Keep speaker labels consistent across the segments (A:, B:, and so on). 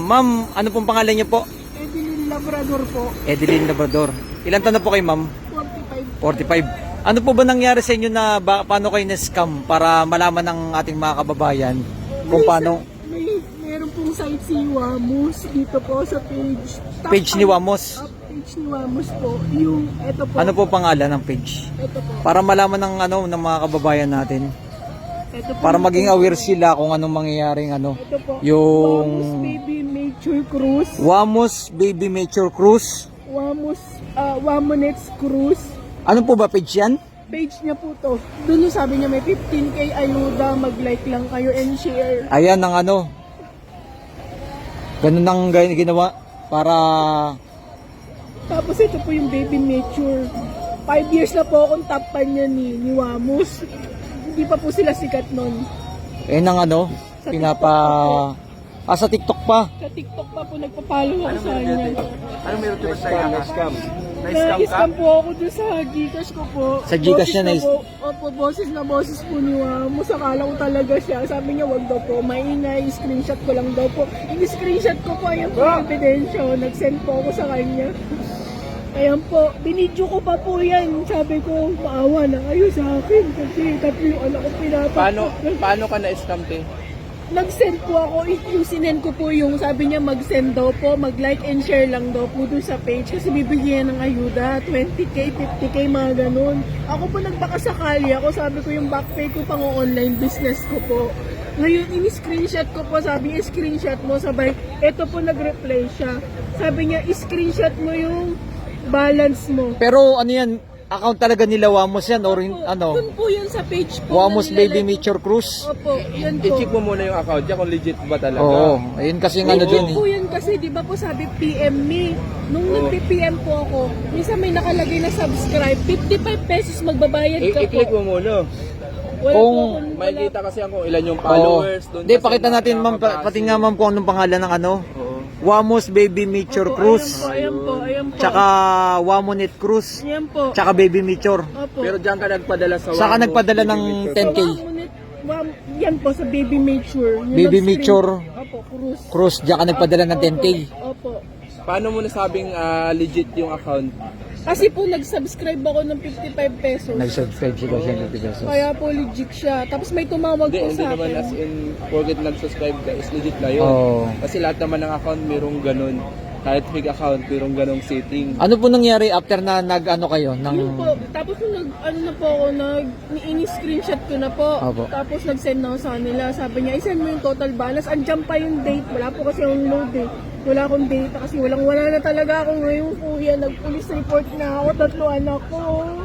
A: Ma'am, ano pong pangalan niyo po?
B: Evelyn Labrador po.
A: Edeline Labrador. Ilan taon na po kayo, ma'am?
B: 45.
A: 45. Ano po ba nangyari sa inyo na paano kayo na-scam para malaman ng ating mga kababayan kung paano?
B: Meron pong site si Wamos dito po sa page.
A: Page ni Wamos?
B: Page ni Wamos po. Yung, ito po.
A: Ano po pangalan ng page?
B: Ito po.
A: Para malaman ng ng mga kababayan natin.
B: Ito po
A: Para
B: yung
A: maging
B: page.
A: aware sila kung anong mangyayaring
B: Ito po.
A: yung
B: Wamos Baby Nature Cruise.
A: Wamos Baby Nature Cruise.
B: Wamonets Cruise.
A: Ano po ba page yan?
B: Page niya po to. Doon yung sabi niya may 15k ayuda, mag-like lang kayo and share.
A: Ayan ang ganun ang ginawa para
B: Tapos ito po yung Baby Nature. 5 years na po akong top fan niya ni Wamos. Hindi pa po sila sikat nun.
A: ang
B: Sa
A: pinapa sa TikTok pa.
B: Sa TikTok pa po nagpa-follow ako sa kanya.
C: Ano meron ito sa iyo? Scam.
B: Na-scam po ako dun sa Gcash ko po.
A: Sa Gcash niya
B: na Opo, boses po ni Wamos. Akala ko talaga siya. Sabi niya wag daw po. Maingay, screenshot ko lang daw po. Ini-screenshot ko po yung ebidensya. Nag-send po ako sa kanya. Ayan po, binidyo ko pa po yan. Sabi ko, maawa na kayo sa akin. Kasi tatlo yung anak ko pinapak.
C: Paano ka na-scam, te?
B: Nag-send po ako, yung sinend ko po yung sabi niya mag-send daw po, mag-like and share lang daw po doon sa page kasi bibigyan ng ayuda, 20k, 50k, mga ganun. Ako po nagbakasakali ako, sabi ko yung backpay ko pang online business ko po. Ngayon, ini-screenshot ko po, sabi niya, screenshot mo, sabay, eto po nag-reply siya. Sabi niya, screenshot mo yung balance mo.
A: Pero ano yan, account talaga nila Wamos yan or
B: Doon po yun sa page po.
A: Wamos
B: na
A: Baby
B: nilalagay.
A: Nature Cruise.
B: Opo, yan po.
C: I-check mo muna yung account niya kung legit ba talaga.
A: Oo, ayun kasi
B: May
A: dun
B: po yan kasi, di ba po sabi PM me. Nung nag-PM po ako, minsan may nakalagay na subscribe, 55 pesos magbabayad ka po.
C: I-click mo muna.
B: Wala
A: Kung-
B: po akong-
C: Makikita kasi kung ilan yung
A: Oo.
C: followers. Doon
A: Hindi,
C: kasi
A: pakita natin ma'am, pati nga ma'am kung anong pangalan ng
C: Oo.
A: Wamos Baby Nature
B: Opo,
A: Cruise.
B: Ayan po.
A: Tsaka Wamonet Cruise.
B: Ayan po.
A: Tsaka Baby Nature.
B: Opo.
C: Pero diyan ka nagpadala sa
A: Saka
C: Wamos,
A: nagpadala ng
C: Baby Nature.
A: 10K.
B: Yan po sa Baby Mature. Yung
A: Baby
B: nag-screen-
A: Mature.
B: Opo, cruise.
A: Cruise, diyan ka nagpadala ng 10K.
B: Opo.
C: Paano mo nasabing legit yung account?
B: Kasi po nag-subscribe ako ng 55 pesos.
A: Nag-subscribe siya siya ng pesos.
B: Kaya po legit siya. Tapos may tumawag po
C: Hindi
B: sa
C: naman as
B: akin.
C: in, porket nag-subscribe ka is legit na yun.
A: Oo.
C: Kasi lahat naman ng account mayroong ganun. Kahit fake account, mayroong ganung setting.
A: Ano po nangyari after na kayo?
B: Yun po. Tapos nung na po ako, ini-screenshot ko na po.
A: Opo.
B: Tapos nag-send na ako sa kanila. Sabi niya, i-send mo yung total balance. Andiyan pa yung date. Wala po kasi akong load eh. Wala akong data kasi wala na talaga ako ngayon kuya. Nag-police report na ako. 3 anak ko.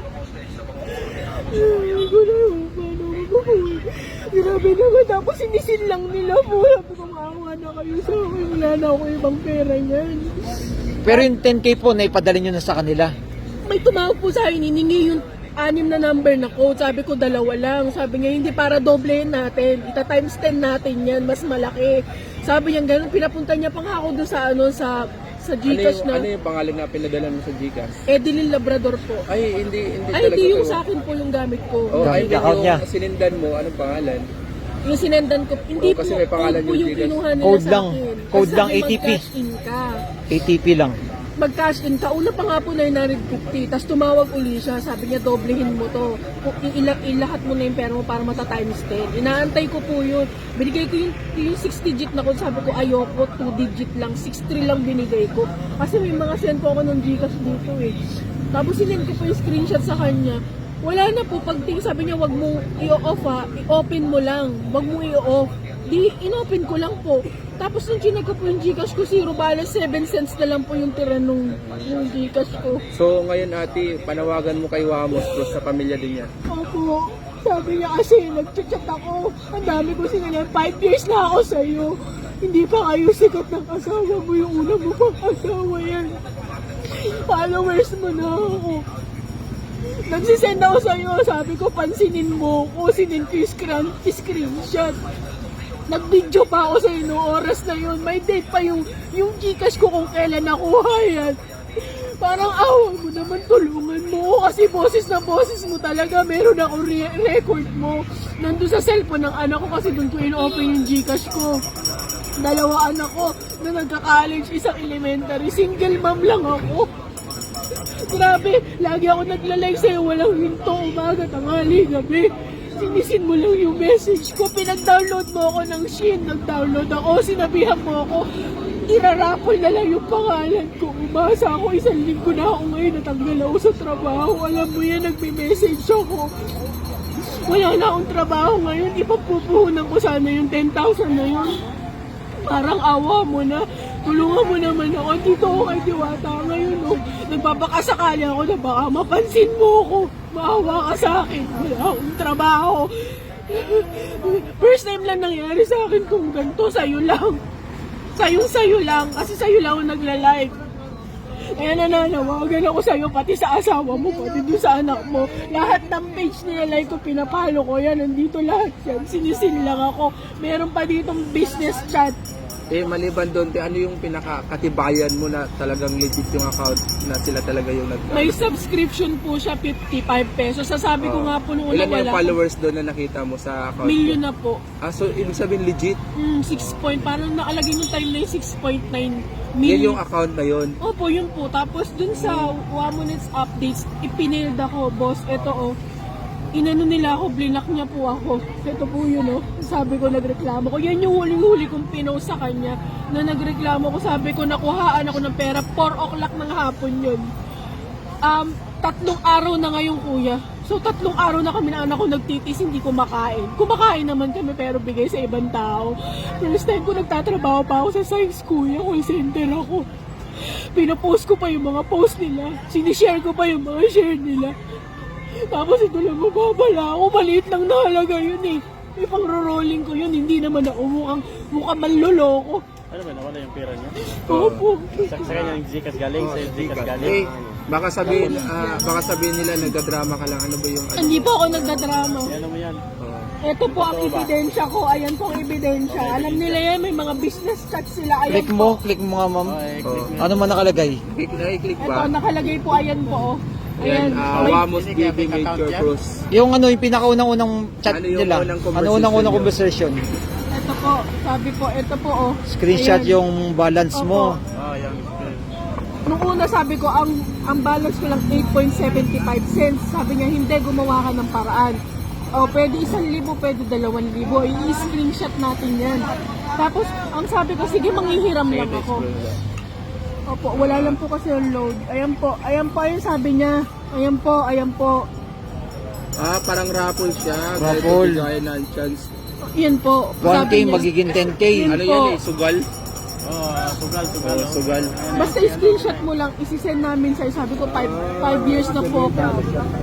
B: Grabe naman. Tapos sinisin lang nila po. Sabi ko, maawa na kayo sa akin. Wala na ako ibang pera niyan.
A: Pero yung 10K po, naipadala nyo na sa kanila.
B: May tumawag po sa akin, hiningi yung 6 na number na code. Sabi ko 2 lang. Sabi niya, hindi, para doblehin natin. Ita times 10 natin yan, mas malaki. Sabi niya ganun, pinapunta niya pa nga ako doon sa Gcash
C: Ano
B: na
C: yung pangalan na pinadala mo sa Gcash?
B: Edeline Labrador po.
C: Ay, hindi
B: Ay,
C: talaga
B: hindi yung
C: to.
B: sa akin po yung gamit ko.
C: Oh, ay,
A: Gamit account niya.
C: yung sinindan mo, anong pangalan?
B: Yung sinendan ko, hindi
C: Oh, kasi
B: po,
C: may pangalan
B: code po
C: yung
B: yung
C: Gcash.
B: kinuha nila
A: Code
B: sa
A: lang.
B: akin.
A: Code
B: Kasi
A: lang,
B: sabi,
A: ATP.
B: Mag-cash in ka.
A: ATP lang.
B: Mag-cash in ka. Una pa nga po 950. Tapos tumawag uli siya. Sabi niya, doblehin mo to. Ilahat mo na yung pera mo para mata-times 10. Inaantay ko po yun. Binigay ko yung 6 digit na ko. Sabi ko, ayoko, 2 digit lang. 6-3 lang binigay ko. Kasi may mga send po ako ng Gcash dito eh. Tapos sinend ko po yung screenshot sa kanya. Wala na po. Pagting sabi niya, wag mo i-off ha. I-open mo lang. Wag mo i-off. Di, in-open ko lang po. Tapos nung chinek ko po yung Gcash ko, 0 balance, 7 cents na lang po yung tira nung Gcash ko.
C: So, ngayon ate, panawagan mo kay Wamos plus sa pamilya din niya.
B: Opo, sabi niya kasi nag-chat ako. Ang dami ko sinanyan, 5 years na ako sa'yo. Hindi pa kayo sikat ng asawa mo, yung una mo pang asawa yan. Followers mo na ako. Nagsisend ako sa'yo, sabi ko pansinin mo ko, sinin ko yung screenshot. Nag-video pa ako sa'yo noong oras na yun. May date pa yung Gcash ko kung kailan nakuha yan. Parang awa mo naman, tulungan mo. Kasi boses na boses mo talaga. Meron ako record mo. Nandun sa cellphone ng anak ko kasi doon ko in-open yung Gcash ko. 2 anak ko na nagka-college, isang elementary. Single mom lang ako. Grabe, lagi ako nagla-like sa'yo, walang hinto, umaga, tanghali, gabi. Sinisin mo lang yung message ko, pinag-download mo ako ng Shein, nag-download ako, sinabihan mo ako, irarapol na lang yung pangalan ko. Umasa ako, 1 linggo na ako ngayon, natanggal ako sa trabaho. Alam mo yan, nagme-message ako. Wala na akong trabaho ngayon, ipagpupuhunan ko sana yung 10,000 na yun. Parang awa mo na, tulungan mo naman ako, dito ako kay Diwata ngayon. Oh. Nagpapakasakali ako na baka mapansin mo ako, maawa ka sa akin, wala akong trabaho. First time lang nangyari sa akin kung ganito, sa'yo lang. Sa'yo lang, kasi sa'yo lang ako nagla-like. Kaya nananawagan ako sa'yo, pati sa asawa mo, pati doon sa anak mo. Lahat ng page nila like ko, pinapalo ko yan, nandito lahat yan. Sinisin lang ako. Meron pa ditong business chat.
C: Maliban doon, ano yung pinakakatibayan mo na talagang legit yung account na sila talaga yung
B: May subscription po siya, 55 pesos. Sasabi ko nga po nung una
C: Ilan yung
B: wala.
C: followers doon na nakita mo sa account?
B: Million na po.
C: So ibig sabihin legit?
B: 6 point, parang nakalagay yung time na yung 6.9
C: Yan
B: million.
C: yung account na yun?
B: Opo, yun po. Tapos dun sa 1 minutes updates, ipinailed ako, boss, eto inano nila ako, blinak niya po ako. Ito po yun sabi ko, nagreklamo ko. Yan yung huling-huli kong pinost sa kanya na nagreklamo ko. Sabi ko, nakuhaan ako ng pera, 4 o'clock ng hapon yun. 3 araw na ngayon, kuya. So 3 araw na kami na anak ko nagtitis, hindi kumakain. Kumakain naman kami pero bigay sa ibang tao. First time ko nagtatrabaho pa ako sa science, kuya. Call center ako. Pinapost ko pa yung mga post nila. Sinishare ko pa yung mga share nila. Tapos ito lang mababala ako. Maliit lang na halaga yun eh. May pang-rolling ko yun. Hindi naman ako mukhang manloloko.
D: Ano ba, nawala yung pera niya?
B: Opo.
D: Sa kanya yung Gcash galing, sa Gcash galing.
C: Baka sabihin nila nagdadrama ka lang. Ano ba yung
B: Hindi po ako nagdadrama.
D: Ano mo yan?
B: Ito po ang ebidensya ko. Ayan po ang ebidensya. Alam nila yan, may mga business chat sila. Ayan
A: Click mo nga ma'am.
D: Click mo.
A: Ano man nakalagay?
C: Click
B: Ito,
C: ba?
B: nakalagay po. Ayan po.
C: Ayan,
B: May-
C: Wamos BB Major Cruz.
A: Yung yung pinakaunang-unang chat
C: Ano yung
A: nila.
C: unang
A: Ano
C: conversation
A: unang
C: nyo?
B: Ito
A: conversation?
B: po. Sabi po, ito po
A: Screenshot
B: Ayan.
A: yung balance mo.
D: Yan.
B: Nung una sabi ko, ang balance ko lang 8.75 cents. Sabi niya, hindi, gumawa ka ng paraan. Pwede 1,000, pwede 2,000. I-screenshot natin yan. Tapos, ang sabi ko, sige, manghihiram lang ako. Opo, wala lang po kasi yung load. Ayan po, yung sabi niya. Ayan po.
C: Parang raffle siya.
A: Raffle.
C: Gaya ng chance.
B: Yan po.
A: 1K
B: sabi niya.
A: magiging 10K.
B: Yun
C: Ano
B: po.
C: yan Sugal?
D: Sugal.
C: Sugal.
B: Basta i-screenshot mo lang, isi-send namin sa'yo. Sabi ko, 5 years na po ako.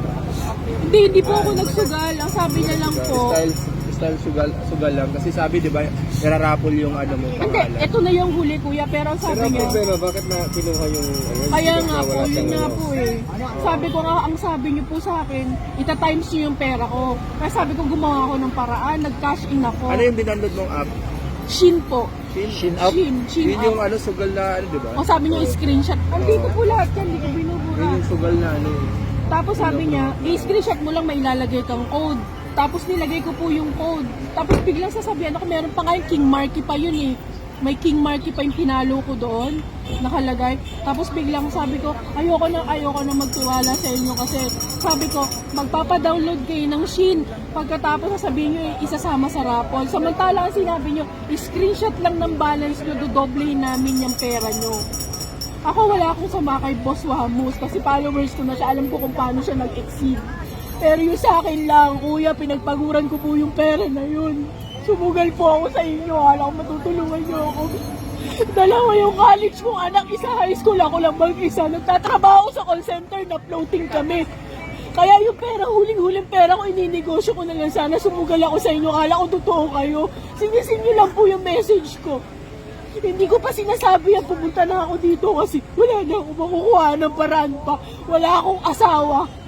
B: Hindi po ako nagsugal. Ang sabi niya lang po.
C: Style sugal lang. Kasi sabi, di ba, nararaffle yung ano mo.
B: Hindi, ito na yung huli, kuya. Pero ang sabi niya,
C: bakit na kinuha yung
B: kaya nga po, yun nga po eh. Sabi ko nga, ang sabi niyo po sa akin, ita-times niyo yung pera ko. Kaya sabi ko, gumawa ako ng paraan, nag-cash in ako.
C: Ano yung binanod mong app?
B: Shin po.
A: Shin up.
B: Shin
C: Yun yung
B: up.
C: sugal na ano, di ba?
B: O sabi niya, screenshot. Andito po lahat yan, hindi ko binubura.
C: Yun yung sugal na ano.
B: Tapos sabi niya, i-screenshot mo lang, may ilalagay kang code. Tapos nilagay ko po yung code. Tapos biglang sasabihan ako, meron pa nga yung King Marky pa yun eh. May King Marky pa yung pinalo ko doon, nakalagay. Tapos biglang sabi ko, ayoko na magtiwala sa inyo kasi sabi ko, magpapadownload kayo ng Shein. Pagkatapos sasabihin nyo, isasama sa raffle. Samantala ang sinabi nyo, screenshot lang ng balance nyo, dodoblehin namin yung pera nyo. Ako wala akong sama kay Boss Wamos kasi followers ko na siya, alam ko kung paano siya nag-exceed. Pero yung sa akin lang, kuya, pinagpaguran ko po yung pera na yun. Sumugal po ako sa inyo, hala ko matutulungan niyo ako. Dalawa yung college kong anak, isa high school, ako lang mag-isa. Nagtatrabaho sa call center, na floating kami. Kaya yung pera, huling-huling pera ko, ininegosyo ko na lang. Sana sumugal ako sa inyo, hala ko totoo kayo. Sinisin niyo lang po yung message ko. Hindi ko pa sinasabi pumunta na ako dito kasi wala na ako makukuha ng paraan pa. Wala akong asawa.